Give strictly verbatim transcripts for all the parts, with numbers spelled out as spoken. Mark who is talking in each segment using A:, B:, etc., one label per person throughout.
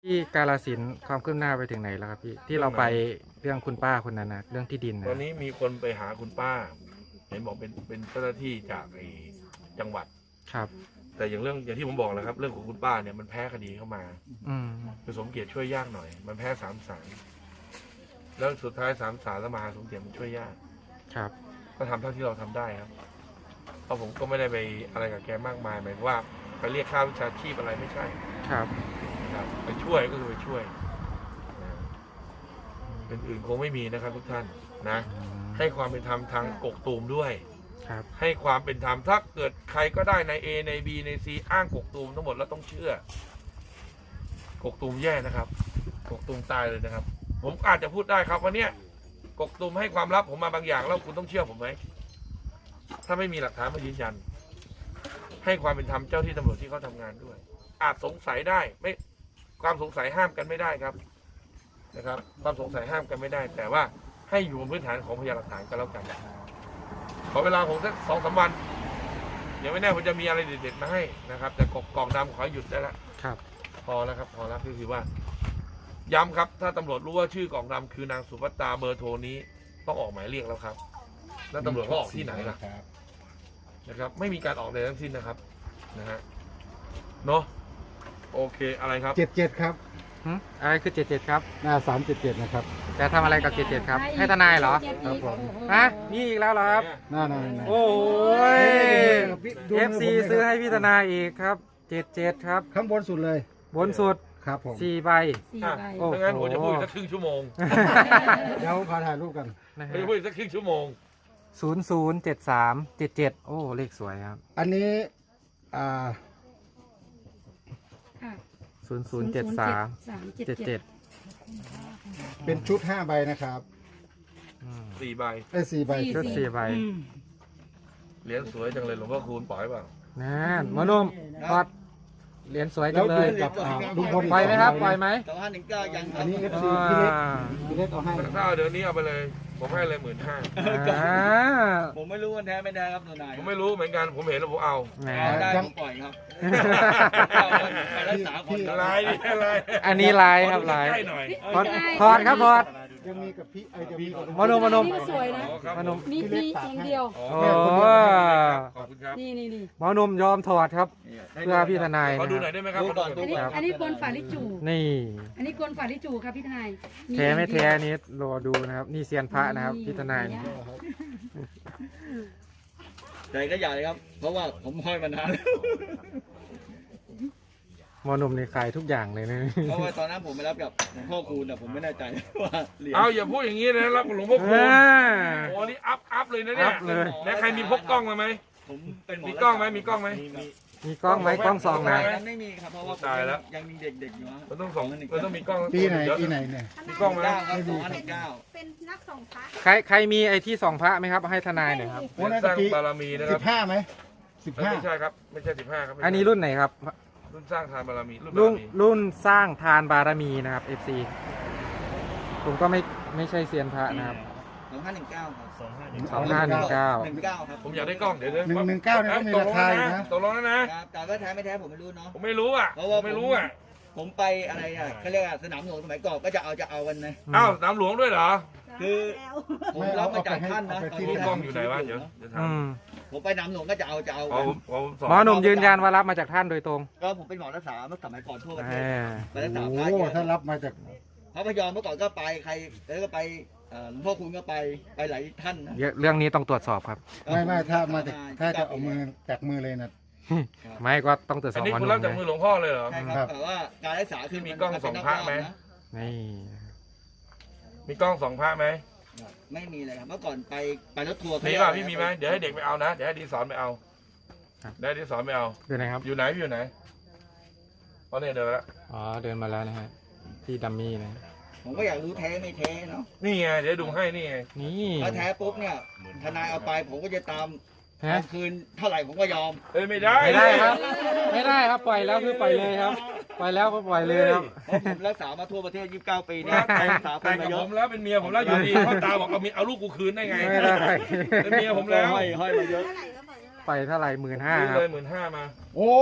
A: ที่กาฬสินธุ์ความคืบหน้าไปถึงไหนแล้วครับพี่ที่เราไปเรื่องคุณป้าคนนั้นนะเรื่องที่ดินนะ
B: ตอนนี้มีคนไปหาคุณป้า เห็นบอกเป็นเป็นเจ้าหน้าที่จากไอ้จังหวัด
A: ครับ
B: แต่อย่างเรื่องอย่างที่ผมบอกแล้วครับ เรื่องของคุณป้าเนี่ยมันแพ้คดีเข้ามา
A: อืม
B: คือสมเกียรติช่วยยากหน่อย มันแพ้สามศาลแล้วสุดท้ายสามศาลแล้วมาหาสมเกียรติมันช่วยยาก
A: ครับ
B: ก็ทำเท่าที่เราทำได้ครับเพราะผมก็ไม่ได้ไปอะไรกับแกมากมายหมายว่าไปเรียกค่าวิชาชีพอะไรไม่ใช่
A: ครับ
B: ครับไปช่วยก็คือไปช่วยอื่นๆคงไม่มีนะครับทุกท่านนะ
A: อืม
B: ให้ความเป็นธรรมทางกกตูมด้วย
A: ครับ
B: ให้ความเป็นธรรมถ้าเกิดใครก็ได้ใน A ใน B ใน C อ้างกกตูมทั้งหมดแล้วต้องเชื่อกกตูมแย่นะครับกกตูมตายเลยนะครับ ผมอาจจะพูดได้ครับว่าเนี่ยกกตูมให้ความลับผมมาบางอย่างแล้วคุณต้องเชื่อผมไหมถ้าไม่มีหลักฐานมายืนยัน ให้ความเป็นธรรมเจ้าที่ตำรวจที่เขาทำงานด้วย อาจสงสัยได้ไม่ความสงสัยห้ามกันไม่ได้ครับนะครับ ความสงสัยห้ามกันไม่ได้ แต่ว่าให้อยู่บนพื้นฐานของพยานหลักฐานกันแล้วกันขอเวลาผมสักสองสามวันเดี๋ยวไม่แน่ผมจะมีอะไรเด็ดๆมาให้นะครับ แต่กกล่องดำขอหยุดได้แล้ว
A: ครับ
B: พอแล้วครับพอแล้วคือว่า ย้ำครับถ้าตำรวจรู้ว่าชื่อกล่องดำคือนางสุภัตตาเบอร์โทรนี้ต้องออกหมายเรียกแล้วครับแล้วตำรวจเขาออกที่ไหนล่ะนะครับ ไม่มีการออกใดทั้งสิ้นนะครับนะฮะเนาะโอเคอะไรครับ
C: เจ็ดเจ็ดครับ
A: หึอะไรคือเจ็ดเจ็ดครับ
C: หน้าสามเจ็ดเจ็ดนะครับ
A: จะทำอะไรกับเจ็ดเจ็ดครับ ให้ทนายเหรอ
C: ครับผม
A: ฮะนี่อีกแล้วเหรอครับ
C: หน้าหน้าหน้า
A: โอ้ย
C: ดู
A: เอ
C: มื
A: ฟ
C: ผม
A: ซี
C: เลยครับ
A: ซื้อให้พี่ทนายอีกครับเจ็ดเจ็ดครับ
C: ข้างบนสุดเลย
A: บนสุด
C: ครับผม
A: สี่ใบ
D: สี่
B: อ่ะ
D: ใบ
A: โอ้
B: ถ้างั้นผมจะพูดอีกสักครึ่งชั่วโมง
C: เดี๋ยวขอถ่ายรูปกัน
A: นะ
B: ผม
A: ฮะ
B: จะพูดอีกสักครึ่งชั่วโมง
A: ศูนย์ศูนย์เจ็ดสามเจ็ดเจ็ดโอ้เลขสวยครับ
C: อันนี้อ่า
D: ค่ะ
A: ศูนย์ศูนย์เจ็ดสาม
D: สามเจ็ด
A: เจ็ด
D: เจ็
A: เจ็
D: ด
A: ด
C: เป็นชุดห้าใบนะครับ
B: สี่ใบ
C: ได้สี่ใบ
A: ชุดสี่ใบ
B: เหรียญสวยจังเลยหลวงพ่อคูณปล่อยเปล่า
A: นั่นหมอหนุ่มทอดเหรียญสวยจั
C: แล้ว
A: งเล
C: ดู
A: ย
C: กับอ่าลุงพล
A: ปล่อยไหมครับปล่อยไหม
E: สองห้าหนึ่งเก้ายังค
C: อั
E: รั
C: น
E: บ
C: นี้เอฟซีพี่เล็ก
A: อ่า
C: พี่เล็กเอาให้
B: ถ้าเอาเดี๋ยวนี้เอาไปเลย ผมให้เลยหมื่นห้า
A: อ่า
E: ผมไม่รู้ว่าแท้ไม่แท้ครับตัวนาย
B: ผมไม่รู้เหมือนกันผมเห็นแล้วผมเอา
A: แหม
E: เอาได้ผมปล่อยครับเอาไปรักษาคน
B: อะไรนี่อะไร
A: อันนี้ลายครับลาย
B: ใกล้หน่อย
A: ถอดถอดครับถอด
C: ยังมีกับพี่ไอ้จะมีกับ
A: หมอหนุ่มหมอหนุ่ม
D: นี่ก็สวยนะ
B: อ๋อครับ
A: หมอหนุ่ม
D: มีมีอย่างเดียว
B: อ๋อ
A: โอ้
B: ขอบคุณครับ
D: นี่นี่นี่
A: หมอหนุ่มยอมถอดครับ เพื่อพี่ทนาย
B: ขอ
A: นะ
B: ดู
A: ค
B: หน่
A: รั
B: อย
A: บ
B: ได้ไหมครับ
E: ดูก่อนดู
D: อันนี้
E: ก่อน
D: อันนี้กลฝาลิจู
A: นี่
D: อันนี้กลฝาลิจูครับพี่ทนาย
A: แท้ไม่แท้นี้รอดูนะครับนี่เซียนพระนะครับพี่ทนาย
E: ใจก็อย่าเลยครับ เพราะว่าผมห้อยมานานแล้ว
A: หมอหนุ่มนี่ขายทุกอย่างเลยนะ
E: เพราะว่าตอนนั้นผมไปรับกับหลวงพ่อคูณแต่ผมไม่แน่ใจว่าเหรียญ
B: เอาอย่าพูดอย่างนี้นะรับหลวงพ่อคูณ
A: อ่า
B: โอ้นี่อัพอัพเลยนะเนี่ย
A: อัพเลย
B: แล้วใครมีพกกล้องมาไหม
E: ผมเป็นหมอ
B: มีกล้องไหมมีกล้องไหม
A: มีกล้องไหมกล้องสองไหม
E: นั้นไม่มีครับเพราะว่าผม
B: ตายแล้ว
E: ยังมีเด็กๆอยู่ฮะ
B: มันต้องสองมันต้องมีกล้อง
C: ปีไหน
B: เดี๋ยว
C: ปีไหนเนี่ย
B: มีกล้องไหม
E: เก้าครับสองห้าหนึ่งเก้า
F: เป็นนักส่งพระ
A: ใครใครมีไอ้ที่สองพระไหมครับให้ทนายหน่อยครับ
C: โอ้น่า
B: ส
C: จะ
B: ร้าง
C: ปี
B: บารมีนะค
C: สิ
B: รับบ
C: ห้าไหมสิบห้า
B: ไม่ใช่ครับไม่ใช่สิบห้าครับไม่ใช่
A: อันนี้รุ่นไหนครับ
B: รุ่นสร้างทานบารมีรุ่นบา
A: รุ่
B: ร
A: น
B: มี
A: รุ่นสร้างทานบารมีนะครับ เอฟ ซี ผมก็ไม่ไม่ใช่เซียนพระนะครับ
E: สองห้าหนึ่งเก้าครับ
A: สองห้าหนึ่งเก้า
E: หนึ่งเก้าครับ
B: ผมอยากได้กล้องเดี๋ยวเดี๋ยว
C: หนึ่งหนึ่งเก้าเนี่ยก็มีราคาอยู่นะ
B: ตกลงแล้วนะครับ
E: แต่ว่าแท้ไม่แท้ผมไม่รู้เนาะ
B: ผมไม่รู้อ่ะ
E: เพราะว่า
B: ผมไม่รู้อ่ะ
E: ผมไปอะไรอ่ะเขาเรียกว่าสนามหลวงสมัยก่อนก็จะเอาจะเอากันนะ
B: อ้าวสนามหลวงด้วยเหรอ
E: คือ ผมรับมาจากท่านนะ
C: เอาไปให้
E: ต
B: มี
E: น
B: กล้องอยู่ไหนวะเดี๋ยวเดี๋ยวถาม
A: อืม
E: ผมไปสนามหลวงก็จะเอาจะเอา
B: อ๋อ
E: กัน
B: ผมอ๋อผมสอน
A: หมอหนุ่มยืนยันว่ารับมาจากท่านโดยตรง
E: ก็ผมเป็นหมอรักษาเมื่อสมัยก่อนทั่วประเทศ
A: อ่า
E: ไปรักษา
C: โอ้
E: พระ
C: โห
E: เยอะ
C: ถ้ารับมาจาก
E: พระพยอมเมื่อก่อนก็ไปใครแล้วก็ไปเอ่อหลวงพ่อคุณก็ไปไปหลายท่านนะ
A: เยอะเรื่องนี้ต้องตรวจสอบครับ
C: ไม่ไม่ถ้ามาจากถ้าจะเอามือจากมือเลยนะ
A: ไม่ก็ต้องตรวจส
B: อั
A: อน บ
B: นี้
A: หมอห
B: คุณ
A: นุ่
B: รับ
A: ม
B: จาก
A: นะ
B: มือหลวงพ่อเลยเหรอ
E: ใช่ค
C: ครั
E: รับบ แต่ว่าการรักษาคือ
B: มีกล้องส่องพระไหม
A: นี่
B: มีกล้องสองพระไหม
E: ไม่มีเลยครับเมื่อก่อนไปไปรถทัวร์
B: มีป่ะพี่มีไหมเดี๋ยวให้เด็กไปเอานะเดี๋ยวให้ดีสอนไปเอาเดี๋ยวให้ดีสอนไปเอา
A: ดูนะครับ
B: อยู่ไหนพี่อยู่ไหนตอนนี้เดินแล้ว
A: อ๋อเดินมาแล้วนะฮะที่ดัมมี่นะ
E: ผมก็อยากรู้แท้ไม่แท้เนาะ
B: นี่ไงเดี๋ยวดูให้นี่ไง
A: นี่
E: ถ้าแท้ปุ๊บเนี่ยทนายเอาไปผมก็จะตาม
A: ฮะ
E: เอาคืนเท่าไหร่ผมก็ยอม
B: เอ้ยไม่ได้
A: ไม่ได้ครับ ไม่ได้ครับปล่อยแล้วคือปล่อยเลยครับ ปล่อยแล้วก็ปล่อยเลยครับ
E: เพราะผมรักษามาทั่วประเทศยี่สิบเก้าปีเนี่ย
B: แต่ง
E: รักษาค
B: แต่
E: น
B: ง
E: มา
B: กับ
E: เย
B: ผ
E: อะ
B: มแล้วเป็นเมียผมแล้วอยู่ดีพ่อตาบอกเอามีเอาลูกกูคืนได้ไง
A: ไม่ได้
B: เป็นเมียผมแล้ว
E: ห้อยห้อยมาเยอะ
F: เท่าไหร่ก็บอกเท่าไหร่
A: ปล่อยเท่าไหร่หมื่นห้า
B: ซื้อ
A: ครับ
B: เลยหมื่นห้ามา
C: โอ้ย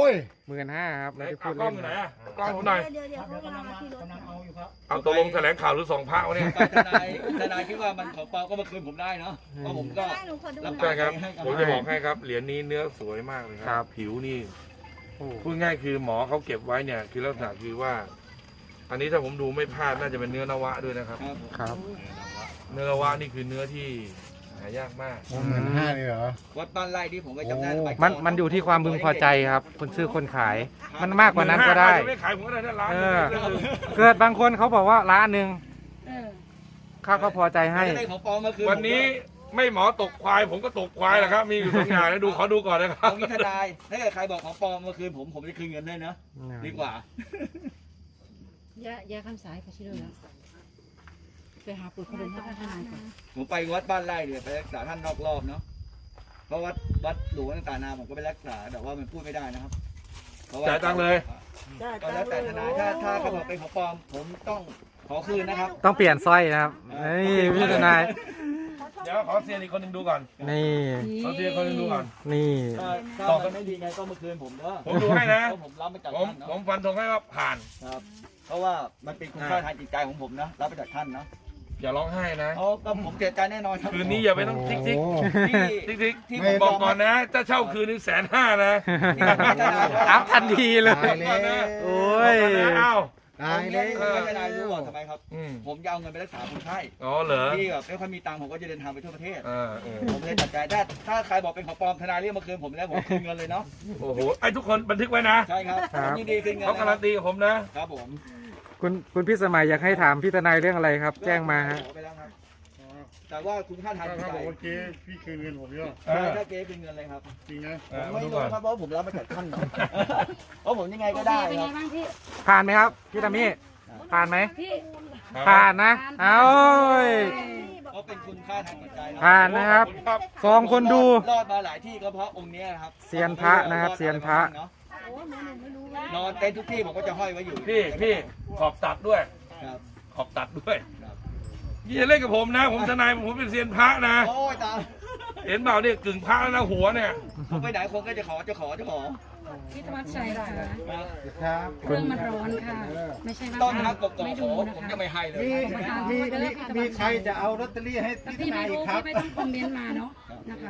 A: หมื่นห้าครับ
B: ไหน
A: ไม่ได้พู
B: เอา
A: ด
B: กล้
A: เล่
B: อง
A: น
B: อยู่ไหนอ่ะกล้องผมหน่อย
F: เดี๋ยวเดี๋ยวเขากำลังมาที่รถ
B: เอาตกลงแถลงข่าวหรือสองพระวะเนี่ย
E: ทนายทนายคิดว่ามันของปลอมก็มาคืนผมได้เนาะเพราะผมก็
F: ได้หนูขอดู
E: รับ
F: หน่
B: ใช่
F: อย
B: ครับผมจะบอกให้ครับเหรียญนี้เนื้อสวยมากเลยครับ ผิวนี่
A: โอ้
B: พูดง่ายคือหมอเขาเก็บไว้เนี่ยคือลักษณะคือว่า อันนี้ถ้าผมดูไม่พลาดน่าจะเป็นเนื้อนวะด้วยนะครับ
E: ครับ
A: ครับ
B: เนื้อนวะนี่คือเนื้อที่หายากมาก
C: โอ้หมื่นห้าเลยเหรอ
E: วัดบ้านไร่ที่ผมก็จำได้สยก่
A: มันมันอยู่ที่ความพึงพอใจครับ คนซื้อคนขาย มันมากกว่านั้นก็ได้
B: จะไม่ขายผมก็ได้นะร้าน
A: เอ
B: นึง
A: อ เกิดบางคนเขาบอกว่าร้านหนึ่ง
D: เออ
A: เขาก็พอใจให้
E: ไม่ได้ของปลอมมาคืน
B: วันนี้ไม่หมอตกควาย ผมก็ตกควายแหละครับ มีอยู่สองอย่างนะดูขอดูก่อนนะครับ
E: ผมมีทนายถ้าเกิดใครบอกของปลอมมาคืนผมผมจะคืนเงินได้นะดีกว่า
D: ยายาคำสายไปชิโร่แล้วไปหาปุ๋ยคนเดินท่านทนายก่อน
E: ผมไปวัดบ้านไร่เนี่ยไปรักษาท่านนอกรอบเนาะเพราะวัดวัดหลวงต่างๆนาผมก็ไปรักษาแต่ว่ามันพูดไม่ได้นะครับเพระว่
B: จ่ายตังค์เลย
E: ก็แล้วแต่ทนายถ้าถ้าเขาบอกเป็นของปลอมผมต้องขอคืนนะครับ
A: ต้องเปลี่ยนสร้อยนะครับนี่พี่ทนาย
B: เดี๋ยวขอเซียนอีกคนหนึ่งดูก่อน
A: นี่
B: ขอเซียนคนหนึ่งดูก่อน
A: นี่
E: ถ้าถ้ามันไม่ดีไงก็มาคืนผมเด้อ
B: ผมดูให้นะ
E: เพราผมรับมาจาก
B: ผม
E: ท่าน
B: ผ
E: เนาะ
B: มฟันธงให้ว่าผ่าน
E: ครับ เพราะว่ามันเป็นคุณค่าทางจิตใจของผมนะรับมาจากท่านเนาะ
B: อย่าร้องไห้นะ
E: เอาก็ผมเสียใจแน่นอนครับ
B: คืนนี้อย่าไปต้องทิกทิก
C: โอ้
E: ที่
B: ทิกทิก
E: ที่
B: ผมบอกก่อนนะ ถ้าเช่าคืนนึงแสนห้านะ
A: อัพทันทีเลย
C: ตายแล้ว
A: โอ้ย
B: อ้าว
C: ตายแล้ว
E: ผมไม่ทนายรู้ว่าทำไมครับ
B: อืม
E: ผมจะเอาเงินไปรักษาคนไข้
B: อ๋อเหรอ
E: ที่แบบไม่ค่อยมีตังค์ผมก็จะเดินทางไปทั่วประเทศ
B: อ่าเออ
E: ผมเลยตัดใจถ้าถ้าใครบอกเป็นของปลอมทนายเรียกมาคืนผมแล้วผมคืนเงินเลยเนาะ
B: โอ้โหไอ้ทุกคนบันทึกไว้นะ
E: ใช่ครับ
A: ครับ
E: ผมยินดีคืนเงิน
B: เขาการันตีกับผมนะ
E: ครับผม
A: คุณคุณพี่สมัยอยากให้ถามพี่ทนายเรื่องอะไรครับ แจ้งมาฮะ
E: ขอไปแล้วครับแต่ว่าคุณค่าทางจิตใจ
C: เมื่อกี้พี่คืนเงินผมเยอะ
B: เออ
E: ถ้าเก๊คืนเงินเลยครับ
C: จริงนะ
B: เอ
E: ผม
B: อมา
E: ไม่
B: ดู
E: รู้
B: ก่อน
E: ครับเพราะผมรับมาจากท่านเนาะเพราะผมยังไง
D: โอ
E: ก็
D: เค
E: ได้
D: เป็น
E: ค
D: ไง
E: รับ
D: บ้างพี่
A: ผ่านไหมครับ พี่ตามี่ผ่านไหม
D: พี่
A: ผ่านนะ เอาเอ้ย
E: เพราะเป็นคุณค่าทางจิตใจเนาะ
A: ผ่านนะครับ
B: ครับ
A: สองคนดู
E: รอดมาหลายที่ก็เพราะองค์เนี้ยครับ
A: เซียนพระนะครับเซียนพระ
E: เนานอนเต็นท์ทุกที่ผมก็จะห้อยไว้อยู่
B: พี่พี่ขอบตัดด้วย
E: ครับ
B: ขอบตัดด้วย
E: ครับ
B: อย่าเล่นกับผมนะ ผมทนายผมเป็นเซียนพระนะ
E: โอ้ยตาย
B: เห็นเปล่าเนี่ยกึ่งพระแล้วนะหัวเนี่ย
E: ผมไปไหนคนก็จะขอจะขอจะขอ
D: พี่ธวัชชัยค่ะ
C: ครับ
D: เครื่องมันร้อนค่ะ ไม่ใช่ว่า
E: ต้นทักกบ
D: ไม่
E: ข
D: ดู
E: อ
D: นะ
E: ผม
D: คะ
E: จะไม่ให้เลย
C: มีมีมีมีใครจะเอาลอตเตอรี่ให้
D: แต่
C: พี่
D: พี่
C: ทนา
D: ไม่
C: ยอี
D: รู้
C: กครับ
D: พี่ไม่ต้องคอมเมนต์มาเนาะนะคะ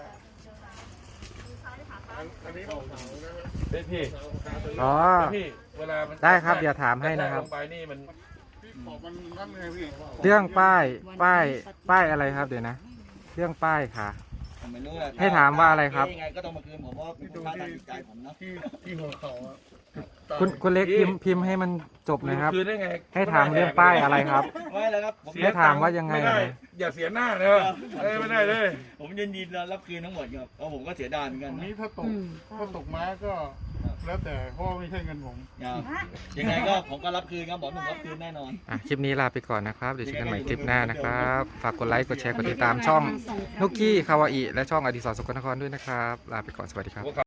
B: พี่พี่
A: อ๋อ
B: พี่เวลามัน
A: ได้ครับเดี๋ยวถามให้นะครับ
B: ลงไปนี่มัน
A: เรื่องป้าย ป้าย ป้ายอะไรครับเดี๋ยวนะ เรื่องป้ายค่ะ
E: ผมไม่รู้แหละ
A: ให้ถามว่าอะไรครับ
E: ยังไงก็ต้องมาคืนผมเพราะว่าเป็นคุณค่าทางจิตใจผมเนาะ
C: ที่ที่หัวเขาอะ
A: คุณคุณเล็กพิมพ์พิมพ์ให้มันจบหนะครับ
B: คืนได้ไง
A: ให้ถามเรื่องป้ายอะไรครับ
E: ไม่แล้วครับผม
B: เสีย
A: ให้ถามว่ายังไง
B: ไม่ได้
A: นะ
B: อย่าเสียหน้าเลยเอ้ยไม่ได้เลย
E: ผมยินดีรับคืนทั้งหมดครับเพราะผมก็เสียดายเหมือนกัน
C: อัน
E: นะ
C: นี้ถ้าตก
D: อืม
C: ถ้าตกม้าก็แล้วแต่เพราะว่าไม่ใช่เงินผม
E: ครับยังไงก็ผมก็รับคืนครับบอกหนุ่มรับคืนแน่นอน
A: อ่ะคลิปนี้ลาไปก่อนนะครับ เดี๋ยวเจอกันใหม่คลิปหน้านะครับ ฝากกดไลค์ กดแชร์ กดติดตามช่องนุกกี้คาวาอิและช่องอดิศรสกลนครด้วยนะครับ ลาไปก่อน สวัสดีครับ